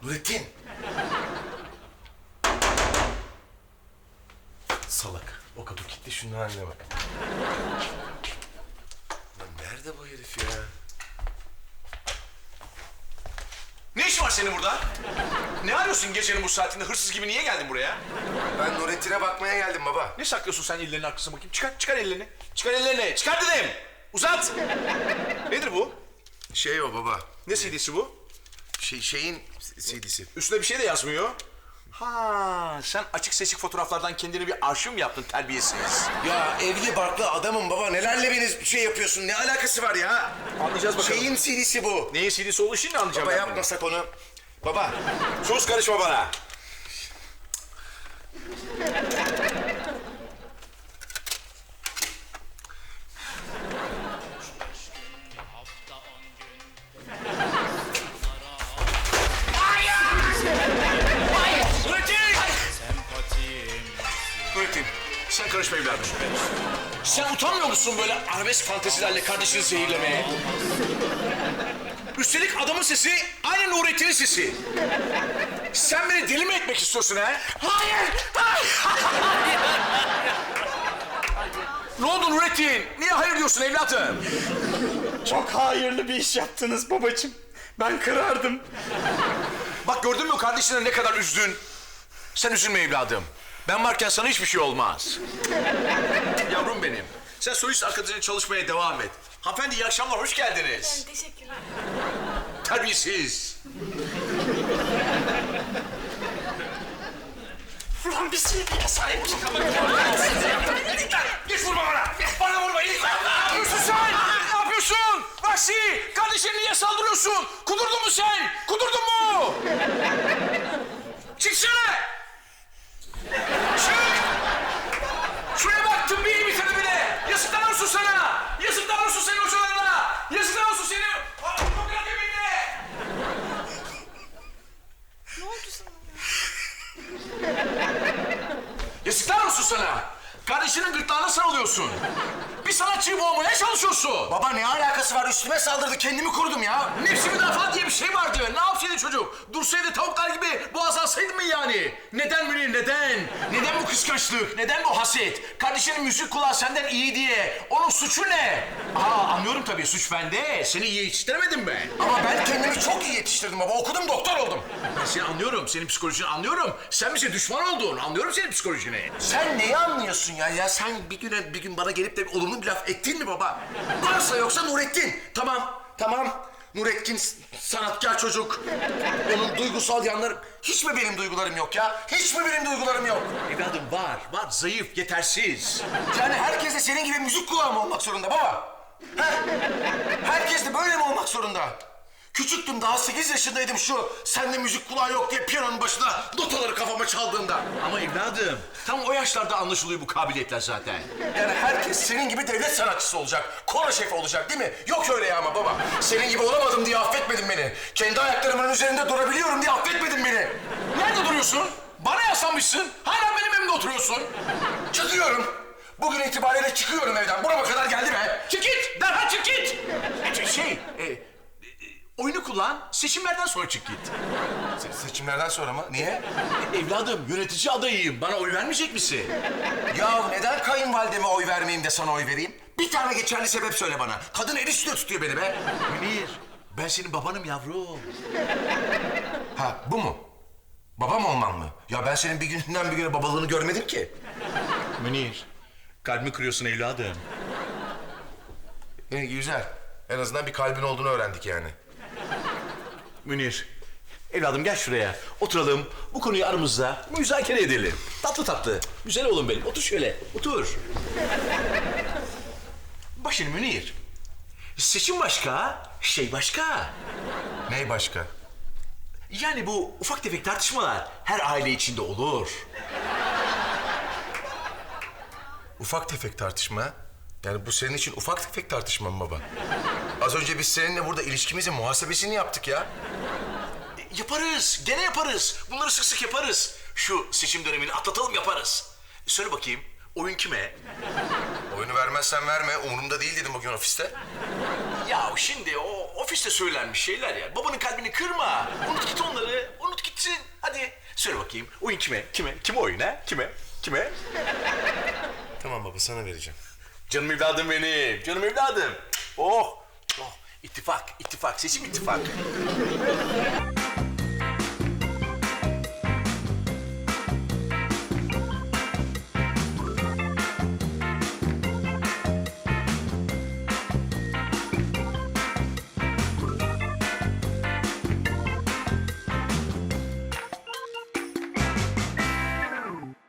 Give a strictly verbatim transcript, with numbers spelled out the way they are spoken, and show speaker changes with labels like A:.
A: Nurettin. Salak. O kapı kilitli, şunun haline bak. Lan nerede bu herif ya?
B: Ne işin var senin burada? Ne arıyorsun gecenin bu saatinde? Hırsız gibi niye geldin buraya?
A: Ben Nurettin'e bakmaya geldim baba.
B: Ne saklıyorsun sen ellerini arkasına bakayım? Çıkar, çıkar ellerini. Çıkar ellerini. Çıkar dedim. Uzat. Nedir bu?
A: Şey o baba.
B: Ne C D'si bu?
A: Şey, şeyin C D'si.
B: Üstüne bir şey de yazmıyor. Ha, sen açık seçik fotoğraflardan kendine bir arşiv mi yaptın terbiyesiz?
A: Ya evli barklı adamım baba. Nelerle beni şey yapıyorsun? Ne alakası var ya?
B: Anlayacağız bakalım.
A: Şeyin C D'si bu.
B: Neyin C D'si olduğu şimdi anlayacağım
A: Baba
B: ben bunu.
A: yapmasak onu. Baba.
B: Sus, karışma bana. Nurettin, sen karışma evladım. Sen utanmıyor musun böyle arabesk fantezilerle kardeşini zehirlemeye? Üstelik adamın sesi aynı Nurettin'in sesi. Sen beni deli mi etmek istiyorsun ha? Hayır! Hayır! Ne oldu Nurettin? Niye hayır diyorsun evladım?
C: Çok hayırlı bir iş yaptınız babacığım. Ben kırardım.
B: Bak gördün mü kardeşine ne kadar üzdün? Sen üzülme evladım. Ben varken sana hiçbir şey olmaz. Yavrum benim. Sen solist arkadaşına çalışmaya devam et. Hanımefendi iyi akşamlar, hoş geldiniz.
D: Teşekkürler.
B: Terbiyesiz.
C: Ulan bir C D'ye sahip çıkamak.
B: Geç vurma bana. Bana vurma. İyi. Ne yapıyorsun sen? Ne yapıyorsun? Vahşi. Kardeşine niye saldırıyorsun? Kudurdun mu sen? Kudurdun mu? Çıksana. Çık. Şuraya bak, tıbbi iyi bitirdi bile. Yazıklar olsun sana. Yazıklar olsun senin hocalarına. Yazıklar olsun senin. Demokrat yeminle.
D: Ne oldu sana?
B: Yazıklar olsun sana. Kardeşinin gırtlağına sarılıyorsun. Bir sanatçıyı boğmaya çalışıyorsun.
A: Baba ne alakası var? Üstüme saldırdı. Kendimi korudum ya.
B: Nefsi müdafaa diye bir şey vardı. Ne yapsaydı çocuk? Dursaydı tavuklar gibi boğaz alsaydı mı yani? Neden Münir, neden? Neden bu kıskançlık? Neden bu haset? Kardeşinin müzik kulağı senden iyi diye. Onun suçu ne? Aa, anlıyorum tabii, suç bende. Seni iyi yetiştiremedim ben.
A: Ama ben kendimi çok iyi yetiştirdim baba. Okudum, doktor oldum.
B: Ben seni anlıyorum. Senin psikolojini anlıyorum. Sen bize düşman oldun. Anlıyorum senin psikolojini.
A: Sen neyi anlıyorsun ya? Ya sen bir güne bir gün bana gelip de olumlu bir laf ettin mi baba? Varsa yoksa Nurettin. Tamam, tamam. Nurettin s- sanatkar çocuk. Onun duygusal yanları... Hiç mi benim duygularım yok ya? Hiç mi benim duygularım yok?
B: Evladım var. Var. Zayıf, yetersiz.
A: Yani herkes de senin gibi müzik kulağı mı olmak zorunda baba? He? Herkes de böyle mi olmak zorunda? Küçüktüm, daha sekiz yaşındaydım şu sende müzik kulağı yok diye piyanonun başına notaları kafama çaldığında.
B: Ama evladım, tam o yaşlarda anlaşılıyor bu kabiliyetler zaten.
A: Yani herkes senin gibi devlet sanatçısı olacak, koro şefi olacak değil mi? Yok öyle ya ama baba. Senin gibi olamadım diye affetmedin beni. Kendi ayaklarımın üzerinde durabiliyorum diye affetmedin beni.
B: Nerede duruyorsun? Bana yaslanmışsın. Hala benim evimde oturuyorsun.
A: Çıkıyorum. Bugün itibariyle çıkıyorum evden. Burama kadar geldi be.
B: Çık git! Derhal çık git! E, Şey, e, e, oyunu kullan, seçimlerden sonra çık git.
A: Se- seçimlerden sonra mı? Niye?
B: Evladım, yönetici adayıyım. Bana oy vermeyecek misin?
A: Ya neden kayınvalideme oy vermeyeyim de sana oy vereyim? Bir tane geçerli sebep söyle bana. Kadın el üstüne tutuyor beni be.
B: Münir, ben senin babanım yavrum.
A: Ha bu mu? Babam olmam mı? Ya ben senin bir günden bir güne babalığını görmedim ki.
B: Münir, kalbimi kırıyorsun evladım.
A: İyi güzel. En azından bir kalbin olduğunu öğrendik yani.
B: Münir, evladım gel şuraya. Oturalım, bu konuyu aramızda müzakere edelim. Tatlı tatlı. Güzel oğlum benim. Otur şöyle, otur. Bak şimdi Münir. Seçim başka, şey başka.
A: Ney başka?
B: Yani bu ufak tefek tartışmalar her aile içinde olur.
A: Ufak tefek tartışma. Yani bu senin için ufak tefek tartışma mı baba? Az önce biz seninle burada ilişkimizin muhasebesini yaptık ya.
B: E, Yaparız, gene yaparız. Bunları sık sık yaparız. Şu seçim dönemini atlatalım, yaparız. E, Söyle bakayım, oyun kime?
A: Oyunu vermezsen verme. Umurumda değil dedim bugün ofiste.
B: Ya şimdi o ofiste söylenmiş şeyler ya. Babanın kalbini kırma. Unut git onları, unut git. Söyle bakayım. Oyun kime? Kime? Kime oyun ha? Kime? Kime?
A: Tamam baba sana vereceğim.
B: Canım evladım benim. Canım evladım. Oh. Oh. İttifak. İttifak. Seçim ittifak.